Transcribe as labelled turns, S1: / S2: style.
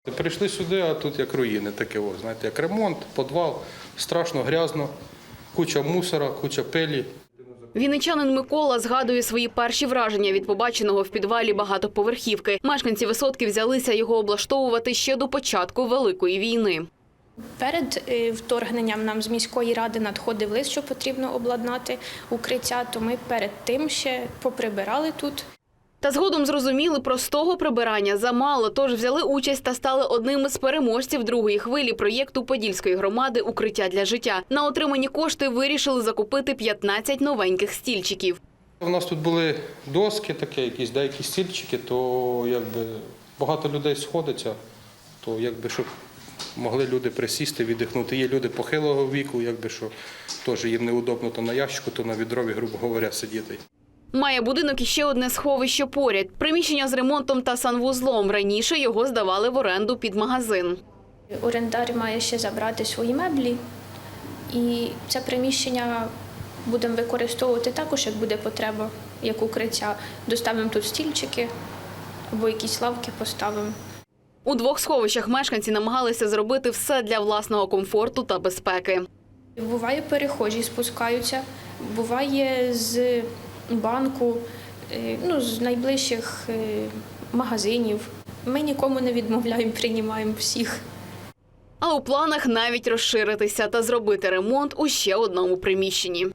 S1: Прийшли сюди, а тут як руїни таке, знаєте, як ремонт, підвал, страшно, грязно, куча мусора, куча пилі.
S2: Вінничанин Микола згадує свої перші враження від побаченого в підвалі багатоповерхівки. Мешканці Висотки взялися його облаштовувати ще до початку Великої війни.
S3: Перед вторгненням нам з міської ради надходив лист, що потрібно обладнати укриття, то ми перед тим ще поприбирали тут.
S2: Та згодом зрозуміли, простого прибирання замало, тож взяли участь та стали одним із переможців другої хвилі проєкту Подільської громади «Укриття для життя». На отримані кошти вирішили закупити 15 новеньких стільчиків.
S1: У нас тут були доски такі, якісь деякі стільчики, то якби багато людей сходиться, то якби щоб могли люди присісти, віддихнути. Є люди похилого віку, якби що теж їм неудобно то на ящику, то на відрові, грубо говоря, сидіти.
S2: Має будинок іще одне сховище поряд. Приміщення з ремонтом та санвузлом. Раніше його здавали в оренду під магазин.
S3: Орендар має ще забрати свої меблі, і це приміщення будемо використовувати також, як буде потреба, як укриття. Доставимо тут стільчики або якісь лавки поставимо.
S2: У двох сховищах мешканці намагалися зробити все для власного комфорту та безпеки.
S3: Буває, перехожі спускаються, буває з банку, з найближчих магазинів. Ми нікому не відмовляємо, приймаємо всіх.
S2: А у планах навіть розширитися та зробити ремонт у ще одному приміщенні.